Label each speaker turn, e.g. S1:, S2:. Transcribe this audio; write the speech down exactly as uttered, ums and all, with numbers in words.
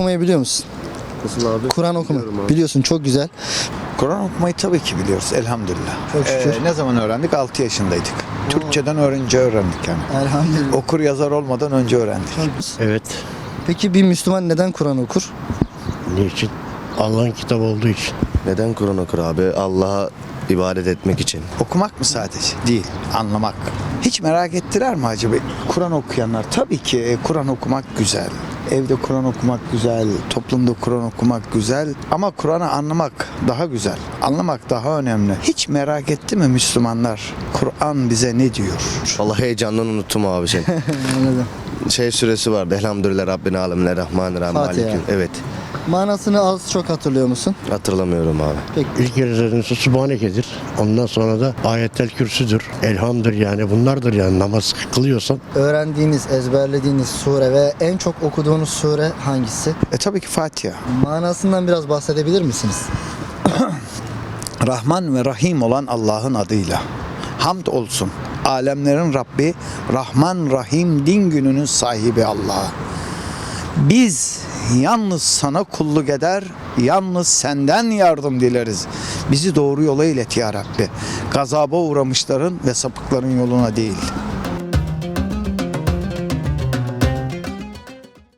S1: okumayı biliyor musun?
S2: Nasıl abi?
S1: Kur'an okuma.
S2: Biliyorum abi.
S1: Biliyorsun, çok güzel.
S3: Kur'an okumayı tabii ki biliyoruz elhamdülillah.
S1: Çok şükür.
S3: Ee, ne zaman öğrendik? altı yaşındaydık. Türkçeden öğrenince öğrendik yani.
S1: Elhamdülillah.
S3: Okur yazar olmadan önce öğrendik.
S2: Evet.
S1: Peki bir Müslüman neden Kur'an okur?
S2: Niçin? Allah'ın kitabı olduğu için.
S4: Neden Kur'an okur abi? Allah'a ibadet etmek için.
S3: Okumak mı sadece? Değil, anlamak. Hiç merak ettiler mi acaba Kur'an okuyanlar? Tabii ki e, Kur'an okumak güzel. Evde Kur'an okumak güzel, toplumda Kur'an okumak güzel ama Kur'an'ı anlamak daha güzel. Anlamak daha önemli. Hiç merak etti mi Müslümanlar? Kur'an bize ne diyor?
S4: Vallahi heyecandan unuttum abi şey.
S1: Anladım.
S4: Şey süresi vardı. Elhamdülillah Rabbine alemine rahmanirrahim.
S1: Fatiha.
S4: Malikim. Evet.
S1: Manasını az çok hatırlıyor musun?
S4: Hatırlamıyorum abi.
S1: Peki.
S2: İlk rezervisi Sübhaneke'dir. Ondan sonra da Ayettel Kürsü'dür. Elhamdır yani bunlardır yani namaz kılıyorsan.
S1: Öğrendiğiniz, ezberlediğiniz sure ve en çok okuduğunuz sure hangisi?
S3: E tabii ki Fatiha.
S1: Manasından biraz bahsedebilir misiniz?
S3: Rahman ve Rahim olan Allah'ın adıyla. Hamd olsun. Alemlerin Rabbi, Rahman Rahim din gününün sahibi Allah'a. Biz yalnız sana kulluk eder, yalnız senden yardım dileriz. Bizi doğru yola ilet ya Rabbi. Gazaba uğramışların ve sapıkların yoluna değil.